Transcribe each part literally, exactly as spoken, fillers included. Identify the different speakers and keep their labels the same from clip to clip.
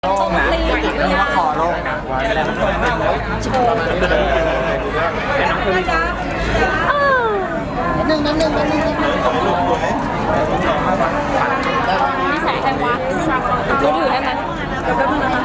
Speaker 1: โล่งนะเรียกว่าคอโล่งนะว่าไม่ได้มันโชว์
Speaker 2: หนึ่งหนึ่งหนึ่งหนึ่งนิสัยใครวะมือถือให้มันเดี๋ยวแป๊บนึงนะคะ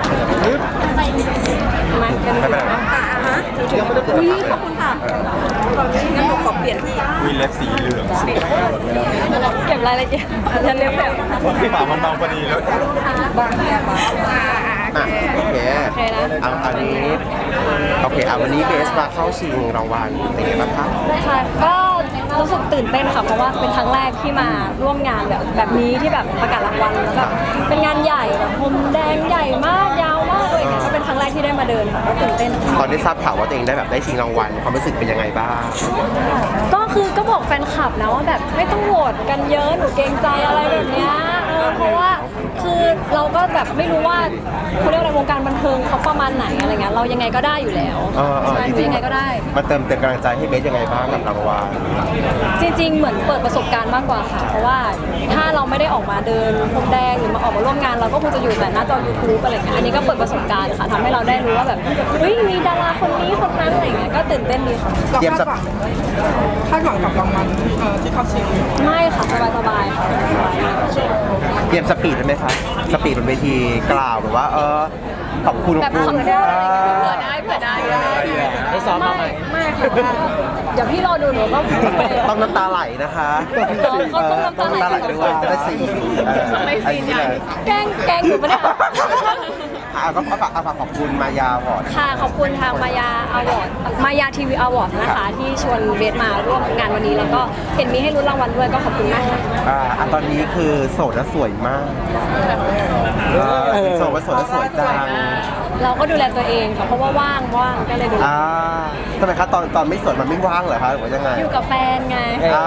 Speaker 2: มากันดูนะอ่ะฮะอุ้ยขอบคุณค่ะงั้นหนูขอเปลี่ยนที่
Speaker 1: วินเล็บสีเหลืองสวย
Speaker 2: เก็บรายละเอียดฉันเรียบแบบ
Speaker 1: ที่ปากมันเบาพอดีแล้ว
Speaker 2: บางแย่บาง
Speaker 3: อ่ะโอเค
Speaker 2: โอเคนะ
Speaker 3: เอาอันนี้โอเคเอาวันนี้เบสมาเข้าชิงรางวัลเป็นไงบ้างคะ
Speaker 2: ใช่ก็รู้สึกตื่นเต้นค่ะเพราะว่าเป็นครั้งแรกที่มาร่วมงานแบบแบบนี้ที่แบบประกาศรางวัลแล้วแบบเป็นงานใหญ่แบบพรมแดงใหญ่มากยาวมากเลยเนี่ยก็เป็นครั้งแรกที่ได้มาเดินค่ะก็ตื่นเต้น
Speaker 3: ตอนได้ทราบข่าวว่าตัวเองได้แบบได้ชิงรางวัลความรู้สึกเป็นยังไงบ้าง
Speaker 2: ก็คือก็บอกแฟนคลับนะว่าแบบไม่ต้องโหวตกันเยอะหนูเกรงใจอะไรแบบเนี้ยเออเพราะว่าคือเราก็แบบไม่รู้ว่าเขาเรียกอะไรวงการบันเทิงเขาประมาณไหนอะไรเงี้ยเรายังไงก็ได้อยู่แล้ว
Speaker 3: เออเออ
Speaker 2: ใช่
Speaker 3: จ
Speaker 2: หนู
Speaker 3: ริง
Speaker 2: ยังไงก็ได้
Speaker 3: ๆมาเติมเต็มกำลังใจให้เบสยังไงบ้างกับรางวัล
Speaker 2: จริงๆ เหมือนเปิดประสบการณ์มากกว่าค่ะ เพราะว่าถ้าเราไม่ได้ออกมาเดินพรมแดงหรือมาออกมาร่วมงานเราก็คงจะอยู่แต่หน้าจอ ยูทูบ อะไรเงี้ย อันนี้ก็เปิดประสบการณ์ค่ะทำให้เราได้รู้ว่าแบบเฮ้ยมีดาราคนนี้คนนั้นอะไรเงี้ย ก็ตื่นเต้นดีค่ะ
Speaker 3: เตรียมสัก
Speaker 4: คาดหวังกับรางวัลเอ่อที่เขาชิง
Speaker 2: ไม่ค่ะสบายๆค่ะ
Speaker 3: เตรียมสปีดได้ไหมคะสปีดบนเวทีกล่าวแบบว่าเออขอบคุณ
Speaker 2: แบบคำพูดอะไรเงี้ยเผื่อได้เผื่อได้
Speaker 1: ได้ซ้อมมาไหม
Speaker 2: ไม่ค่ะเดี๋ยวพี่รอดูหนูก็พูดไป
Speaker 3: ต้องน้ำตาไหลนะคะ
Speaker 2: เขาต้องน้ำตาไหล
Speaker 3: เออต้องน้ำตาไหลด้วยจะได้สีเออ
Speaker 2: ไม่ฟิน
Speaker 3: อั
Speaker 2: ใหญ่
Speaker 3: เลย
Speaker 2: แกล้งแกล้งหนูปะเนี่ย
Speaker 3: อ่ะก็ฝากฝากขอบคุณมายาวอร์ด
Speaker 2: ค่ะขอบคุณทางมายาอวอร์ดมายาทีวีอวอร์ดนะคะที่ชวนเบสมาร่วมงานวันนี้แล้วก็เห็นมีให้ลุ้นรางวัลด้วยก็ขอบคุณมากค่ะ
Speaker 3: อ่าอ่ะตอนนี้คือโสดและสวยมากเออโสดและสวยและสวยจัง
Speaker 2: เราก็ดูแลตัวเองค่ะเพราะว่าว่างว่างก็เลยดูแล
Speaker 3: อ่าทำไมคะตอนตอนไม่โสดมันไม่ว่างเหรอคะหรือว่ายังไง
Speaker 2: อยู่กับแฟนไง
Speaker 3: อ่า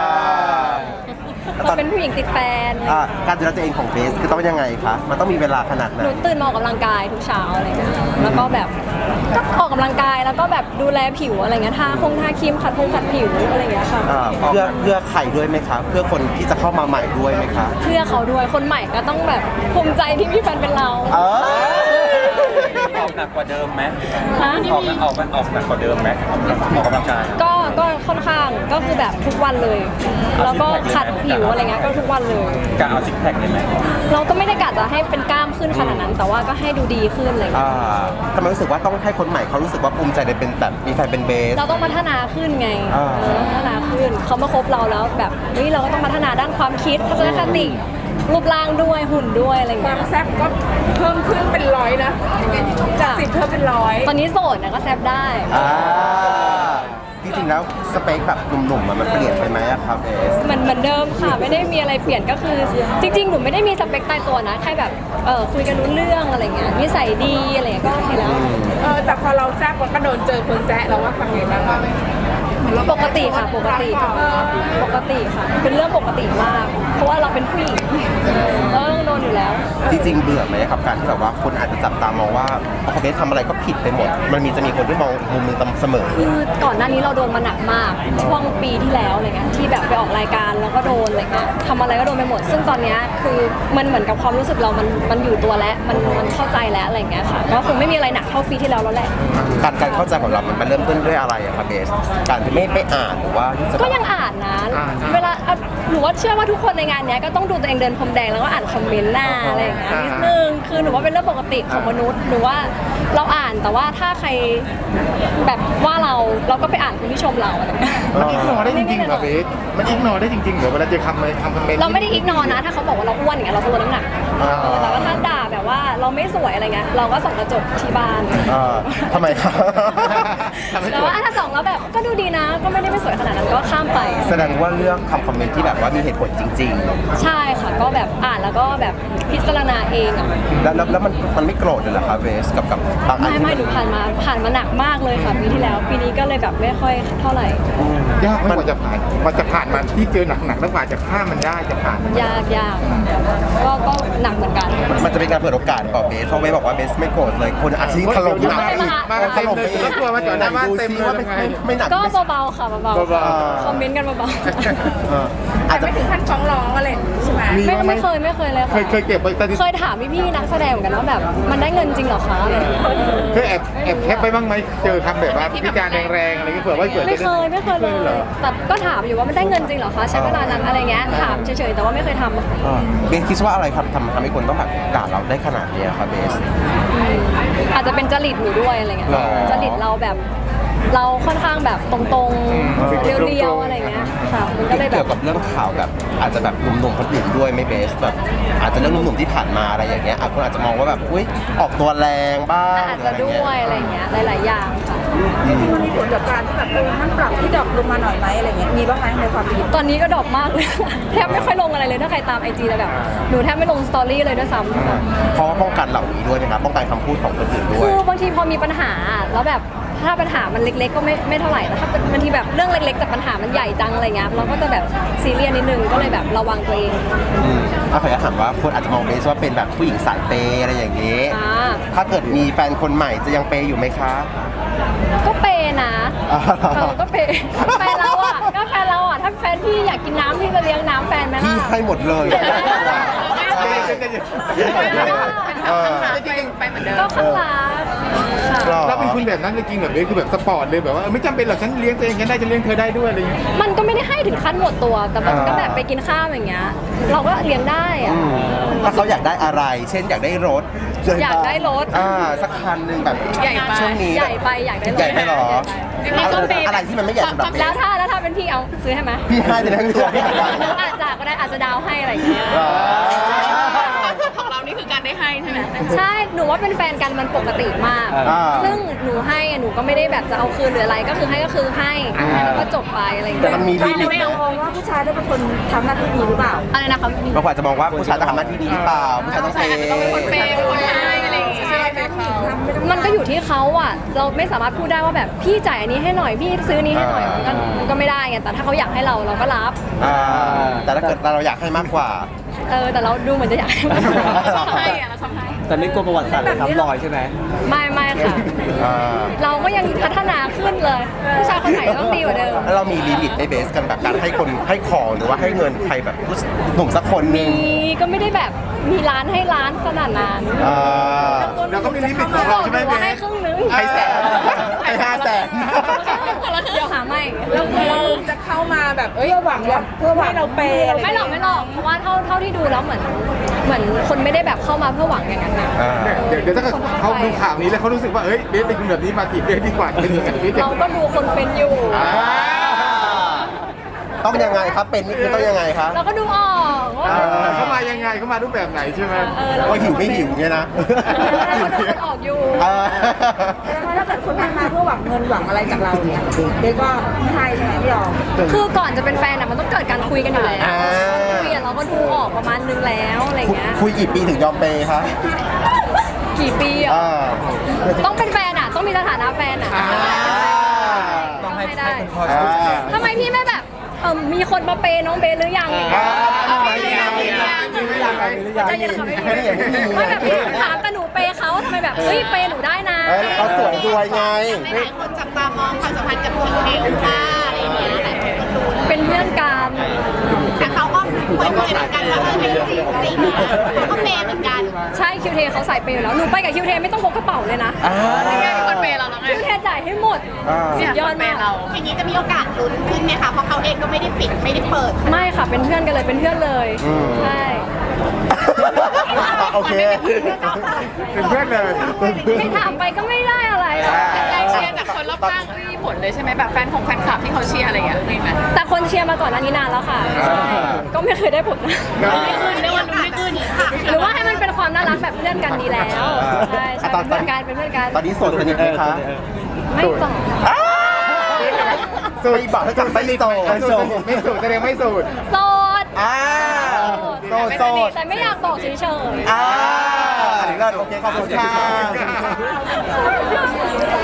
Speaker 2: เราเป็นผู้หญิงติดแฟน
Speaker 3: อ่าการดูแลตัวเองของเบสคือต้องยังไงคะมันต้องมีเวลาขนาดไหน
Speaker 2: หนูตื่นมาออกกำลังกายทุกเช้าอะไรเงี้ยแล้วก็แบบก็ออกกำลังกายแล้วก็แบบดูแลผิวอะไรเงี้ยทาคงทาครีมขัดพงขัดผิวอะไรเงี้ยค่ะ
Speaker 3: อ่าเพื่อเพื่อใครด้วยไหมคะเพื่อคนที่จะเข้ามาใหม่ด้วยไหมคะ
Speaker 2: เพื่อเขาด้วยคนใหม่ก็ต้องแบบภูมิใจที่มีแฟนเป็นเรา
Speaker 3: เออ
Speaker 1: ออกหนักกว่าเดิมไหม
Speaker 2: ฮะ
Speaker 1: ออกหนักออกมันออกหนักกว่าเดิมไหมออกกำลังกาย
Speaker 2: ก็ก็ค่อนข้างก็คือแบบทุกวันเลย แล้วก็ขัดผิวอะไรเงี้ยก็ทุกวันเลย
Speaker 1: กะเอาซิกแพคได้ไหม
Speaker 2: เราก็ไม่ได้กะจะให้เป็นกล้ามขึ้นขนาดนั้น แต่ว่าก็ให้ดูดีขึ้นอะไร
Speaker 3: อ่า
Speaker 2: เงี้ย
Speaker 3: ทำไมรู้สึกว่าต้องให้คนใหม่เขารู้สึกว่าภูมิใจในเป็นแบบมีแฟนเป็นเบส
Speaker 2: เราต้องพัฒนาขึ้นไง
Speaker 3: อ่า
Speaker 2: เออพัฒนาขึ้นเขามาคบเราแล้วแบบเฮ้ยเราก็ต้องพัฒนาด้านความคิดทัศนคติรูปร่างด้วยหุ่นด้วยอะไร
Speaker 4: ค
Speaker 2: เงี้
Speaker 4: วาย มแซ่บก็เพิ่มขึ้นเป็นร้อยนะจากสิบเพิ่มเป็นร้อย
Speaker 2: ตอนนี้โสดนะก็แซบได้
Speaker 3: อ่าจริงๆแล้วสเปคแบบหนุ่มๆอะมันเปลี่ยนไปไหมอะครับเบส
Speaker 2: เหมือนเหมือนเดิมค่ะไม่ได้มีอะไรเปลี่ยนก็คือ จริงๆหนูไม่ได้มีสเปคตายตัวนะแค่แบบเออคุยกันรู้เรื่องอะไรเงี้ยนิสัยดีอะไรเงี้ยก็โอเคแล้ว
Speaker 4: เออแต่พอเราแซ่บมันก็โดนเจอคนแซะเราว่าทำไงบ้างอะ
Speaker 2: ปกติค่ะปกติปกติค่ะ เป็นเรื่องปกติมาก เพราะว่าเราเป็นผู้หญิงเออโดนอยู่แล้ว
Speaker 3: จริงๆเบื่อไหมครับการที่แบบว่าคนอาจจะจับตามองว่าพอเบสทำอะไรก็ผิดไปหมด มันมีจะมีคนที่มองอีกมุมหนึงเสมอ
Speaker 2: คือก่อนหน้านี้เราโดนมาหนักมากช่วงปีที่แล้วอะไรเงี้ยที่แบบไปออกรายการแล้วก็โดนอะไรเงี้ยทำอะไรก็โดนไปหมด ซึ่งตอนเนี้ยคือมันเหมือนกับความรู้สึกเรามันมันอยู่ตัวแล้วมันมันเข้าใจแล้วอะไรเงี้ยค่ะก็คงไม่มีอะไรหนักเท่าปีที่แล้วแล้วแหละ
Speaker 3: การการเข้าใจของเรามันมันเริ่มต้นด้วยอะไรอะครับเบส การที่ไม่ไม่อ่านหรือว่ารู้สึก
Speaker 2: ก็ยังอ่านนะ เวลาอ่ะหนูว่าเชื่อว่าทุกคนในงานเนี้ยก็ต้องดูตัวเองเดินพรมแดงแล้วก็อ่านคอมเมนต์หน้าอะไรอย่างเงี้ยนิดนึงคือหนูว่าเป็นเรื่องปกติของมนุษย์หนูว่าเราอ่านแต่ว่าถ้าใครแบบว่าเราเราก็ไปอ่านคนที่ชมเราอะไรเงี้ย
Speaker 5: มันอิกนอได้จริงๆเหรอเบสมันอิกนอได้จริงๆเหรอเวลาเจอคำอะไรคำคอมเมนต์
Speaker 2: เราไม่ได้อิกนอนะถ้าเขาบอกว่าเราอ้วนอย่างเงี้ยเราก็ลดน้ำหนัก
Speaker 5: อ่า
Speaker 2: เออแต่ว่าถ้าด่าแบบว่าเราไม่สวยอะไรเงี้ยเราก็ส่องกระจกที่บ้าน
Speaker 3: เอ่อทำไมครับ
Speaker 5: ทำให้
Speaker 2: แต่
Speaker 5: สวย
Speaker 2: ว่าถ้าส่องแล้วแบบก็ดูดีนะ ก็ไม่ได้ไม่สวยขนาดนั้นก็ข้ามไป
Speaker 3: แสดงว่าเลือกคำคอมเมนต์ที่แบบว่ามีเหตุผลจริง
Speaker 2: ใช่ค่ะก็แบบอ่านแล้วก็แบบพิจารณาเองอ่ะ
Speaker 3: ๆ แล้วแล้วแล้วมันมันไม่โกรธเลยเหรอครับเบสกับกับบางอัน
Speaker 2: ไม่
Speaker 3: ที่
Speaker 2: ไม่หนูผ่านมาผ่านมาหนักมากเลยค่ะปีที่แล้วปีนี้ก็เลยแบบไม่ค่อยเท่าไหร่
Speaker 5: ยากไหมกว่าจะผ่านกว่าจะผ่านมันที่เจอหนักๆแล้วกว่าจะข้ามมันได้จะผ่านมัน
Speaker 2: ยากยากก็ก็หนักเหมือนกัน
Speaker 3: มันจะเป็นการเปิดโอกาสต่อเบสเพราะเบสบอกว่าเบสไม่โกรธเลยคนอาชีพถล่มหนักอีก
Speaker 5: มากัน
Speaker 3: ถ
Speaker 5: เต็ม
Speaker 3: ล่ม
Speaker 5: เล
Speaker 3: ไป
Speaker 5: ย
Speaker 3: อีก
Speaker 5: ก็กลัวมาจอดหน้าบ้านเต็มเลย
Speaker 3: ว่า
Speaker 5: ยังไง
Speaker 3: ไม่ไม่หนัก
Speaker 2: ก็
Speaker 3: ไม่
Speaker 2: เบาๆค่ะเบา
Speaker 5: เบา
Speaker 2: ๆคอมเมนต์กันเบา
Speaker 3: เอออาจจะ
Speaker 4: ไม่ถึงขั้นฟ้องร้องอะไรอย่างนี้ใช่ไหม
Speaker 5: มี
Speaker 2: ๆไม่
Speaker 5: บ้างไหม
Speaker 2: ไม่เคยไม่เคยเลย
Speaker 5: เค
Speaker 2: ค่ะ
Speaker 5: ยเคยเก็บไว้สถิติ
Speaker 2: เคยถามพี่ๆนักแสดงเหมือนกันว่าแบบมันได้เงินจริงเหรอคะอะไรอย่างเงี้ย
Speaker 5: เคยแอบแอบแคปไปบ้างไหมเจอคำแบบว่าพิการแรงๆอะไรเงี้ยเผื่อว่าเกิด
Speaker 2: ไม่เคยไม่เคยเลย
Speaker 5: หรอ
Speaker 2: แต่ก็ถามอยู่ว่ามันได้เงินจริงเหรอคะใช้เวลานานอะไรเงี้ยถามเฉยๆแต่ว่าไม่เคยทำอะ
Speaker 3: เออเบสคิดว่าอะไรครับทำทำให้คนต้องแบบด่าเราได้ขนาดนี้ครับเบส
Speaker 2: อาจจะเป็นจริตหนูด้วยอะไรเงี้ย
Speaker 3: หรอ
Speaker 2: จริตเราแบบ เราค่อนข้างแบบตรงๆเรียวๆอะไรเงี้ยค่ะมันก็เลยแบ
Speaker 3: เกี่ย
Speaker 2: บ
Speaker 3: วกับเรื่องข่าวแบบอาจจะแบบหนุ่มๆคนอื่นด้วยไม่เบสแบบอาจจะเรื่องหนุ่มๆที่ผ่านมาอะไรอย่างเงี้ยอ่ะคนอาจจะมองว่าแบบอุ้ยออกตัวแรงบ้าง
Speaker 2: อาจจะด้วยอะไรเงี้ยหลายๆอย่างค่ะ
Speaker 4: จริงๆมันมีผลกับการที่แบบเออมันปรับที่ดรอปลงมาหน่อยไหมอะไรเงี้ยมีบ้างไหมในความคิด
Speaker 2: ตอนนี้ก็ดรอปมากเลย แทบไม่ค่อยลงอะไรเลยถ้าใครตามไอจีแต่แบบหนูแทบไม่ลงสตอรี่เลยด้วยซ้ำค่ะ
Speaker 3: เพราะว่าป้องกันเหล่านี้ด้วยนะครับป้องกันคำพูดของคนอื่นด้ว
Speaker 2: คื
Speaker 3: ย
Speaker 2: อบางทีพอมีปัญหาแล้วแบบถ้าปัญหามันเล็กๆก็ไม่ไม่เท่าไหร่แต่ถ้าเป็นบางทีแบบเรื่องเล็กๆแต่ปัญหามันใหญ่จังอะไรเงี้ยเราก็จะแบบซีเรียสนิดนึงก็เลยแบบระวังตัวเอง
Speaker 3: อืมเอาขออนุญาตถามว่าคนอาจจะมองเบสว่าเป็นแบบผู้หญิงสายเปย์อะไรอย่างนี้
Speaker 2: อ่า
Speaker 3: ถ้าเกิดมีแฟนคนใหม่จะยังเปย์อยู่ไหมคะ
Speaker 2: ก็เปย์นะ
Speaker 3: อ่า
Speaker 2: เออก็เปย์แฟนเราอ่ะก็แฟนเราอ่ะถ้าแฟนพี่อยากกินน้ำพี่จะเลี้ยงน้ำแฟนไหม
Speaker 3: พี่
Speaker 2: ล่ะ
Speaker 3: ให้หมดเลยใช่เออ
Speaker 2: ก็ข้างรักค่ะ
Speaker 3: หรอ
Speaker 5: เราเป็นคุณแบบนั้นจริงๆแบบนี้คือแบบสปอร์ตเลยแบบว่าเออไม่จำเป็นหรอกฉันเลี้ยงตัวเองฉันได้ฉันเลี้ยงเธอได้ด้วยอะไรอย่างเงี้ย
Speaker 2: มันก็ไม่ได้ให้ถึงขั้นหมดตัว แต่มันก็แบบไปกินข้าวอย่างเงี้ย เราก็เลี้ยงได้อะ
Speaker 3: อืมถ้าเขาอยากได้อะไร เช่นอยากได้รถ
Speaker 2: อยากได้รถ
Speaker 3: อ่าสักคันหนึ่งแบบ
Speaker 2: ใหญ่ไป
Speaker 3: ช่วงนี้
Speaker 2: ใหญ่ไปอยากได้รถ
Speaker 3: ใหญ่ไปหรอ
Speaker 2: ใหญ่ไป
Speaker 3: เอาอะไรที่มันไม่ใหญ่สำหรับเบ
Speaker 2: แล้ว
Speaker 3: ส
Speaker 2: ถ้าแล้วถ้าเป็นพี่เอาซื้อให้ไหม
Speaker 3: พี่ให้ไปทั้งตัวพี่เหมือนกัน
Speaker 2: หรืออาจจะก็ได้อาจจะดาวให้อะไรอย่างเงี้ย
Speaker 4: ของเรานี่คือการได้ให้ใช่ไหม
Speaker 2: ใช่ หนูว่าเป็นแฟนกันมันปกติมาก
Speaker 3: อ่า
Speaker 2: ซึ่งหนูให้อะหนูก็ไม่ได้แบบจะเอาคืนหรืออะไร ก็คือให้ก็คือให้แล้วก็จบไปอะไรอย่าง
Speaker 3: แต่
Speaker 2: เงี้ย
Speaker 3: มันมีลิมิต
Speaker 4: ไม่เอามองว่าผู้ชายต้องเป็นคนทำหน้าที่ดีหรือเปล่า
Speaker 2: อะไรนะคะ
Speaker 3: บางคนอาจจะมองว่าผู้ชายต้องทำหน้าที่ดีหรือเปล่าผู้ชายต้องเปย์
Speaker 4: เป็นคนให้อะไรอย่างเงี้ยใช่ไหมคะ
Speaker 2: มันก็อยู่ที่เขาอ่ะ เราไม่สามารถพูดได้ว่าแบบพี่จ่ายอันนี้ให้หน่อย พี่ซื้อนี้ให้หน่อย มันก็มันก็ไม่ได้ไง แต่ถ้าเขาอยากให้เราเราก็รับ
Speaker 3: อ่าแต่ถ้าเกิดเราอยากให้มากกว่า
Speaker 2: เออ แต่เราดูเหมือนจะอยากให้มากกว่า
Speaker 4: ชอบให้อะเราชอบให้
Speaker 1: แต่ไม่กลัวประวัติศาสตร์เลยซ้ำรอยใช่ไหม
Speaker 2: ไม่ไม่ค่ะ
Speaker 3: อ่า
Speaker 2: เราก็ยังพัฒนาขึ้นเลย ผู้ชายคนไหนต้องดีกว่าเดิม
Speaker 3: แล้วเรามีลิมิตในเบสกันแบบการให้คนให้ของหรือว่าให้เงินใครแบบผู้หนุ่มสักคนหนึ
Speaker 2: มี
Speaker 3: ง
Speaker 2: ก็ไม่ได้แบบมีร้านให้ร้านขนาดนั้น
Speaker 3: อ่า
Speaker 5: เราก็มีลิมิตของเราใช่ไหม
Speaker 2: หนู
Speaker 5: เบ
Speaker 2: ว่าให้
Speaker 5: ส
Speaker 2: ครึ่งนึง
Speaker 3: ให้แสนให้ห้าแสน
Speaker 2: เดี๋ยวหาไม่
Speaker 4: เราเราจะเข้ามาแบบเอ้ยหวังว่าเพื่อให้เราเปย์อะไร
Speaker 2: ไม่หรอกไม่หรอกเพราะว่าเท่าเท่าที่ดูแล้วเหมือนเหมือนคนไม่ได้แบบเข้ามาเพื่อหวังอย่างนั้นนะ
Speaker 3: อ่า
Speaker 5: เดี๋ยวเดี๋ยวถ้าเกิดเขาดูข่าวนี้แล้วเขารู้สึกว่าเอ้ยเบสเป็นคนแบบนี้มาจีบเบสดีกว่าเป็นยังไงเบสจะ
Speaker 2: เราก็ดูคนเป็นอยู่
Speaker 3: อ่าต้องยังไงครับเป็นนี่คือต้องยังไงครับ
Speaker 2: เราก็ดูออกว่า
Speaker 3: อ่า
Speaker 5: เขามายังไงเขามารูปแบบไหนใช่ไหม
Speaker 2: เออเรา
Speaker 3: ว่าหิวไม่หิวเนี่ยนะ
Speaker 2: เราก็ดูคนออกอยู่
Speaker 3: อ่า
Speaker 4: ถ้าเกิดคนทักมาเพื่อหวังเงินหวังอะไรจากเราเนี่ยเด็กก็ไม่ให้ใช่ไหมพี่ยอม
Speaker 2: คือก่อนจะเป็นแฟนอะมันต้องเกิดการคุยกันอยู่แล้ว
Speaker 3: อ่า
Speaker 2: คุยอะเราก็ดูออกประมาณนึงแล้วอะไรเงี้ย
Speaker 3: คุยกี่ปีถึงยอมเปย์คะ
Speaker 2: กี่ปีอะ
Speaker 3: อ่า
Speaker 2: ต้องเป็นแฟนอะต้องมีสถานะแฟนอะ
Speaker 3: อ่า
Speaker 1: ต้องให้
Speaker 2: ไม่ได้
Speaker 1: ให้คนคอย
Speaker 3: อ่า
Speaker 2: ทำไมพี่ไม่แบบเออมีคนมาเปย์น้องเบสหรือยังอย่างเงี้ย
Speaker 3: อ่า
Speaker 2: ไม่ได้ยังไม่ได้ยังไม่ได้ยังใจเย็นค่ะไม่ได้ไม่แบบพี่ถามแต่หนูเปย์เขาทำไมแบบเฮ้ยเปย์หนูได้นะ
Speaker 3: เอ้ยเขาสวยด้วยไง
Speaker 6: หลายคนจับตามองความสัมพันธ์กับคิวเทลว่าอะไรอย่างเงี้ยหลายคนก็ดู
Speaker 2: เป็นเพื่อนกัน
Speaker 6: แต่เขาก็คุยคุยเหมือนกันว่าเออให้จริงจริงเขาก็เปย์เหมือนกัน
Speaker 2: ใช่คิวเทเขาใส่เปย์อยู่แล้วหนูไปกับคิวเทไม่ต้องพกกระเป๋าเลยนะ
Speaker 3: อ่า
Speaker 4: คนเปย์เราแล้วไง
Speaker 2: คิวเทจ่ายให้หมด
Speaker 3: อ่า
Speaker 2: สุดยอดมาก
Speaker 6: อย่างนี้จะมีโอกาสลุ้นขึ้นไหมคะเพราะเขาเองก็ไม่ได้ปิดไม่ได้เปิด
Speaker 2: ไม่ค่ะเป็นเพื่อนกันเลยเป็นเพื่อนเลย
Speaker 3: อืม
Speaker 2: ใช่
Speaker 3: โอเค
Speaker 5: เป็นเพื่อนเลย
Speaker 2: ไม่ถามไปก็ไม่ได้อะไร
Speaker 4: แรงเชียร์จากคนรอบข้างก็มีผลเลยใช่ไหมแบบแฟนของแฟนคลับที่เขาเชียร์อะไรอย่างเงี้ยมีไหม
Speaker 2: แต่คนเชียร์มาก่อนหน้านี้นานแล้วค่ะใช่ก็ไม่เคยได้ผลนะ
Speaker 6: เรียกว่าลุ้นไม่ขึ้นค่ะ
Speaker 2: หรือว่าให้มันเป็นความน่ารักแบบเพื่อนกันดีแล้วใช่ใช่เป็นเพื่อนกันเป็นเพื่อนกัน
Speaker 3: ตอนนี้โสดสนิทไหมคะ
Speaker 2: ไม่ตอบ
Speaker 3: ไม่บอกถ้าจับไม่โสด
Speaker 5: ไม่สูดไม่สูดแสดงไม่สูด
Speaker 2: โสด
Speaker 3: อ่าโสดโสด
Speaker 2: แต่ไม่อยากบอกเฉยๆ
Speaker 3: อ่าอันนี้เลิศโอเคขอบคุณค่ะ